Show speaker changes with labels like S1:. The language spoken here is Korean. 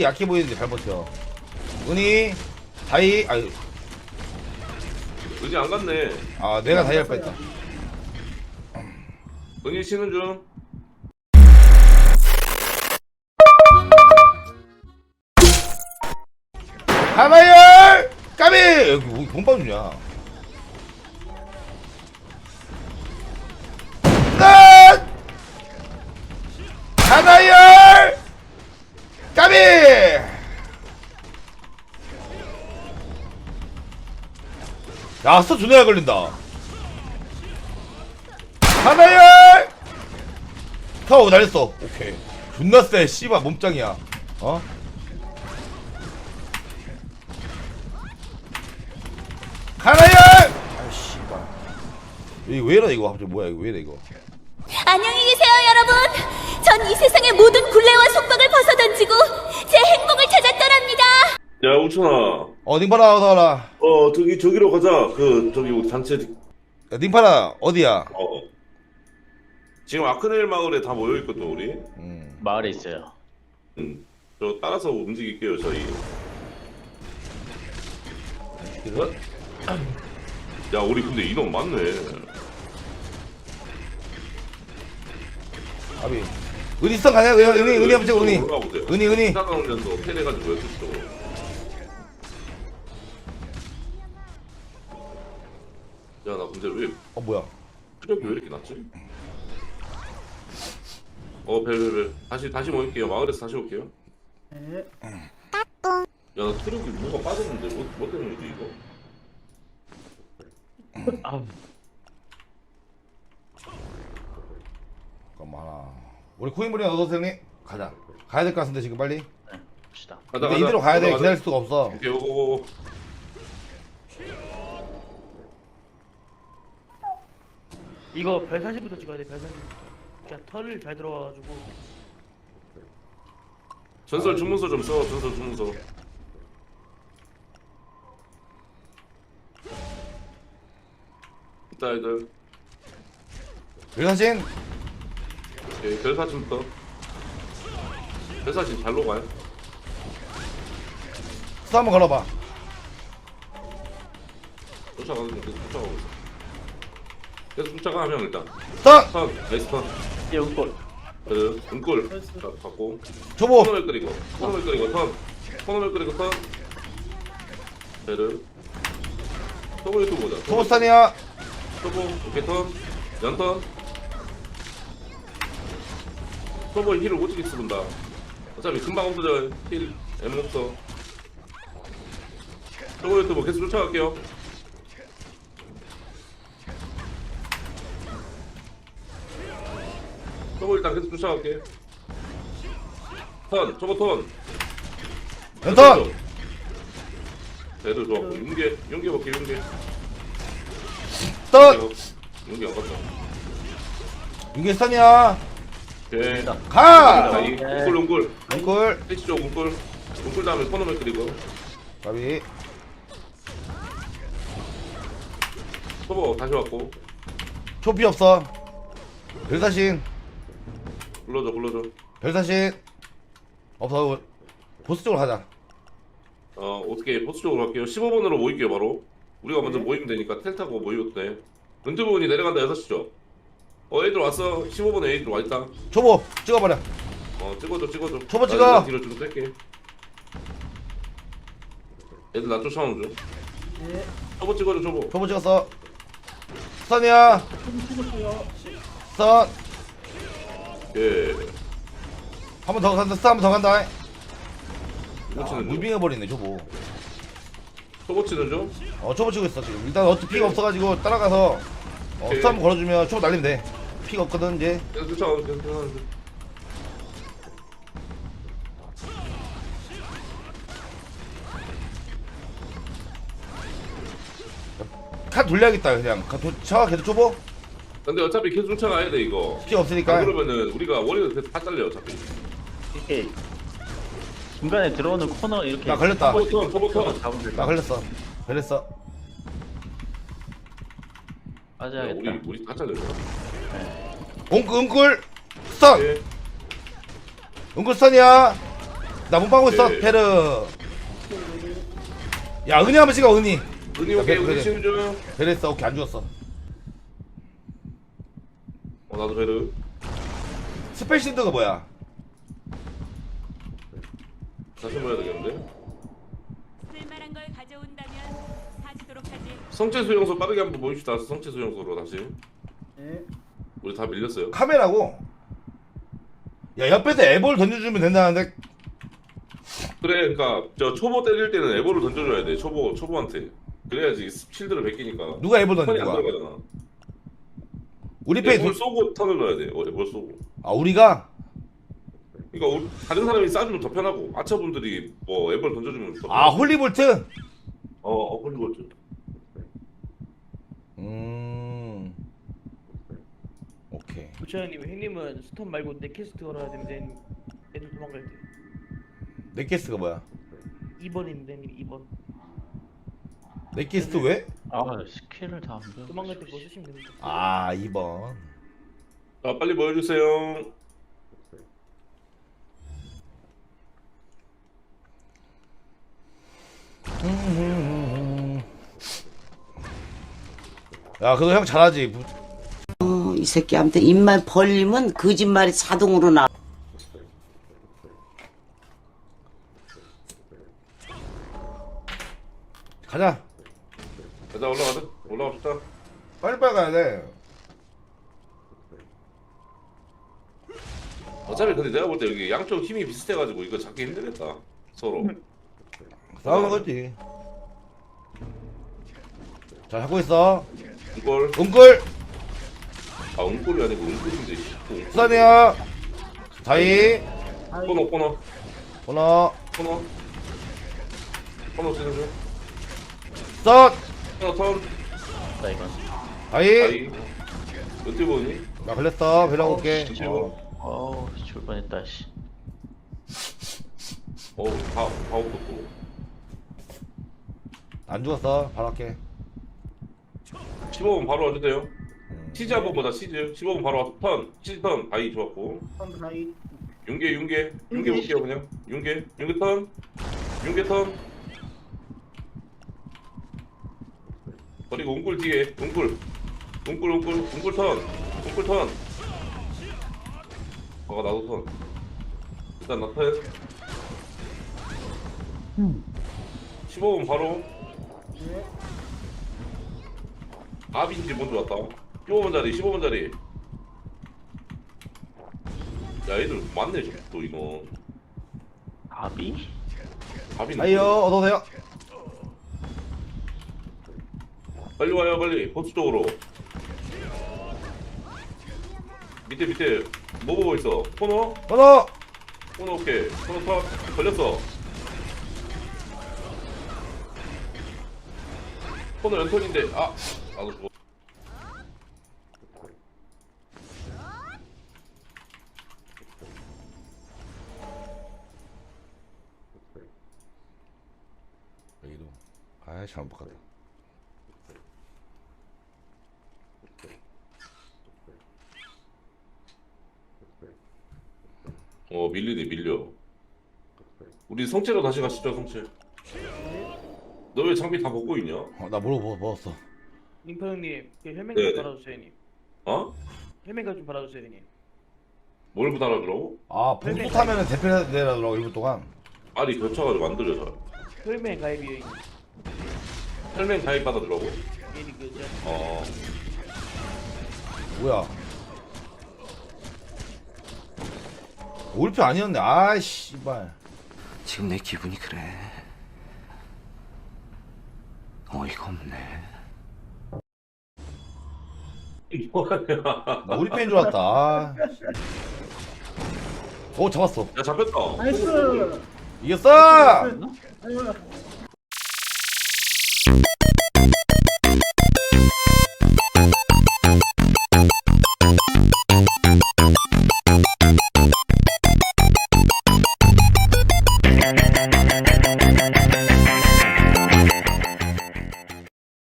S1: 약해 보이는데 잘 버텨. 은희 다이 아유
S2: 은희 안 갔네.
S1: 아 내가 다이 할 뻔했다.
S2: 은희 쉬는 중.
S1: 하마열 까비 여기 뭐 공방 주냐? 끝 하마열 까비 야 스톱 존나 잘 걸린다. 하마열 타워 날렸어. 오케이 존나 쎄 씨발 몸짱이야. 어? 하나열! 아 씨발 이거 왜 이래 이거 갑자기 뭐야 이거 왜 이래 이거.
S3: 안녕히 계세요, 여러분. 전 이 세상의 모든 굴레와 속박을 벗어던지고 제 행복을 찾아 떠납니다.
S2: 야 우천아.
S1: 닝파라 어서와라.
S2: 저기로 가자. 저기 우리 단체.
S1: 야, 닝파라 어디야?
S2: 지금 아크넬 마을에 다 모여 있거든 우리.
S4: 마을에 있어요.
S2: 저 따라서 움직일게요 저희. 야 우리 근데 인원 많네.
S1: 아비 은희성 가냐? 은희 한번 찍어. 은희 은희
S2: 시작하면서 패해가지고 여기서. 야나 근데 왜
S1: 뭐야
S2: 체력이 왜 이렇게 낮지? 벨 다시 모일게요. 마을에서 다시 올게요. 야나 체력이 뭐가 빠졌는데 뭐 때문이지 이거?
S1: 잠깐만 우리 코인물이 얻어서 형님 가자. 가야 될 것 같은데 지금 빨리.
S4: 봅시다.
S1: 근데 이대로 가야 돼. 기다릴 수가 없어.
S2: 오케이 오고.
S5: 이거 별 40부터 찍어야 돼. 별 40. 그냥 털을 잘 들어가가지고.
S2: 전설 주문서 좀 써. 전설 주문서. 이따 애들.
S1: 별사신
S2: 오케이 별사진부터. 별사진 잘로 가요.
S1: 수 한번 걸어봐.
S2: 쫓아가고 있어. 계속 쫓아가 하면 일단.
S1: 선
S2: 턴 나이스 턴.
S4: 예, 은골.
S2: 은골 갖고.
S1: 초보
S2: 코너를 끓이고 턴. 코너를 끓이고 턴. 베르. 토보 유튜브 보자.
S1: 초보스탄이야.
S2: 토보 오케이 턴. 연턴. 토보 힐을 오지게 쓰는다. 어차피 금방 없어져. 힐 M 없어. 토보 유튜브 계속 쫓아갈게요. 토보 일단 계속 쫓아갈게. 턴. 토보 턴.
S1: 연턴
S2: 배도 좋았고 윤계 볼게 윤계
S1: 선
S2: 윤계 안 갔다.
S1: 이게 스탄이야.
S2: 오케이
S1: 가
S2: 이 웅꿀
S1: 앵콜
S2: 패치 쪽 웅꿀 다음에 코너를 그리고
S1: 까비
S2: 토보 다시 왔고
S1: 초피 없어. 별사신
S2: 불러줘.
S1: 별사신 없어. 보스 쪽으로 가자.
S2: 어떻게 보스 쪽으로 갈게요. 15번으로 모일게요 바로. 우리가 먼저 모이면 되니까 텔 타고 모이고 돼. 은퇴부분이 내려간다 6시죠. 애들 왔어. 15번에 애들 와있다.
S1: 초보 찍어버려.
S2: 찍어줘
S1: 초보
S2: 나
S1: 찍어.
S2: 뒤로 좀 뺄게. 애들 나 쫓아오는 중. 초보 찍어줘 초보.
S1: 초보 찍었어. 스탄이야. 스탄
S2: 예.
S1: 한 번 더 간다. 스탄 한 번 더 간다.
S2: 초보 치는 중.
S1: 무빙해버리네 초보.
S2: 초보 치는 중.
S1: 초보 치고 있어 지금. 일단 어차피 피가 없어가지고 따라가서
S2: 오케이.
S1: 스탄 한번 걸어주면 초보 날리면 돼. 피가 없거든 이제.
S2: 계속 쫓아오는 중.
S1: 칸 돌려야겠다 그냥. 차 계속 초보.
S2: 근데 어차피 계속 쫓아가야 돼 이거.
S1: 피가 없으니까.
S2: 그러면은 우리가 원래도 다 잘려 어차피.
S4: 이렇게 중간에 들어오는 코너 이렇게.
S1: 나 걸렸다.
S2: 토보터.
S4: 잡으면 될
S1: 나
S4: 것
S1: 걸렸어. 걸렸어.
S4: 빠져야겠다.
S2: 우리 다 잘려.
S1: 웅꿀 스탄.
S2: 예.
S1: 웅꿀 스탄이야. 나 못 봐고 있어
S2: 네.
S1: 페르. 야 은희 한번 찍어 은희.
S2: 은희
S1: 야,
S2: 오케이
S1: 그래.
S2: 은희 치는 중.
S1: 베르 했어. 오케이 안 죽었어.
S2: 나도 베르.
S1: 스펠 신드가 뭐야?
S2: 다시 봐야 되겠는데.
S3: 쓸만한 걸 가져온다면 사주도록 하지.
S2: 성체 수용소 빠르게 한번 모입시다. 성체 수용소로 다시.
S5: 네.
S2: 우리 다 밀렸어요.
S1: 카메라고. 야 옆에서 애볼 던져주면 된다는데.
S2: 그래, 그러니까 저 초보 때릴 때는 에버를 던져줘야 돼. 초보한테. 그래야지 실드를 베끼니까.
S1: 누가 애볼
S2: 턴이
S1: 던진
S2: 안
S1: 거야?
S2: 들어가잖아.
S1: 우리 페이
S2: 에버를 쏘고 턴을 넣어야 돼. 에버 쏘고.
S1: 아 우리가
S2: 그러니까 다른 사람이 쏴주면 더 편하고 아처분들이 뭐 에버를 던져주면 더.
S1: 아 홀리볼트.
S2: 홀리볼트.
S1: 오케이.
S5: 부처님 형님은 스턴 말고 넥캐스트 걸어야 되는데 애들 도망갈 때
S1: 넷캐스트가 뭐야?
S5: 2번입니다 형님 2번.
S1: 넷캐스트 왜?
S4: 아 스킬을 다 안 배워.
S5: 도망갈 때 뭐 쓰시면 됩니다.
S1: 아 2번.
S2: 자, 빨리 모여주세요.
S1: 야 그래도 형 잘하지.
S6: 이 새끼한테 입만 벌리면 거짓말이 자동으로 나.
S1: 가자.
S2: 가자, 올라갑시다.
S1: 빨리빨리 가야 돼.
S2: 어차피 근데 내가 볼 때 여기 양쪽 힘이 비슷해가지고 이거 잡기 힘들겠다. 서로.
S1: 싸우는 거지. 자 하고 있어.
S2: 이걸
S1: 은꿀.
S2: 은골이 아니고 은골인데.
S1: 수산이야. 자이.
S2: 코너
S1: 번호.
S2: 치는 중.
S1: 썬.
S2: 코너 턴.
S4: 나 이건.
S1: 자이.
S2: 아이. 어떻게 보니?
S1: 나 걸렸어. 별로 올게.
S4: 죽을 뻔했다 씨.
S2: 다 없었고.
S1: 안 죽었어. 바로 할게.
S2: 15분 바로 와도 돼요. 치즈 한번 보자. 치즈. 15분 바로 와서 턴. 치즈 턴. 아이 좋았고. 윤계 볼게요 그냥. 윤계 턴. 그리고 웅꿀 뒤에. 웅꿀 턴. 나도 턴. 일단 나 턴. 15분 바로. 아빈지 먼저 왔다. 15분 자리. 야, 애들 많네, 또 이거.
S4: 아비?
S2: 아빈.
S1: 자이요. 어서오세요.
S2: 빨리 와요, 빨리. 보스 쪽으로. 밑에. 뭐 보고 있어? 코너?
S1: 번호.
S2: 코너 오케이. 코너 턴. 걸렸어. 코너 연턴인데, 나도 죽어.
S1: 여기도. 아이 잘못 봤다.
S2: 밀려. 우리 성체로 다시 가시죠, 성체. 너 왜 장비 다 벗고 있냐?
S1: 나 먹었어.
S5: 링파 형님 그 헬멧
S2: 네.
S5: 좀 받아주세요 형님.
S2: 어?
S5: 헬멧 좀 받아주세요 형님.
S2: 뭘 부담하더라고?
S1: 아 봉수 타면은 대표되라더라고 1분 동안.
S2: 알이 겹쳐가지고 안 들려서.
S5: 헬멧 가입이요 형님.
S2: 헬멧 가입 받아더라고?
S5: 얘니 그저
S1: 뭐야? 올표 아니었네. 아 씨발.
S6: 지금 내 기분이 그래. 어이가 없네.
S2: 뭐하냐?
S1: 나 우리 팬인 줄 알았다. 아. 오 잡았어.
S2: 야, 잡혔다.
S1: 이겼어.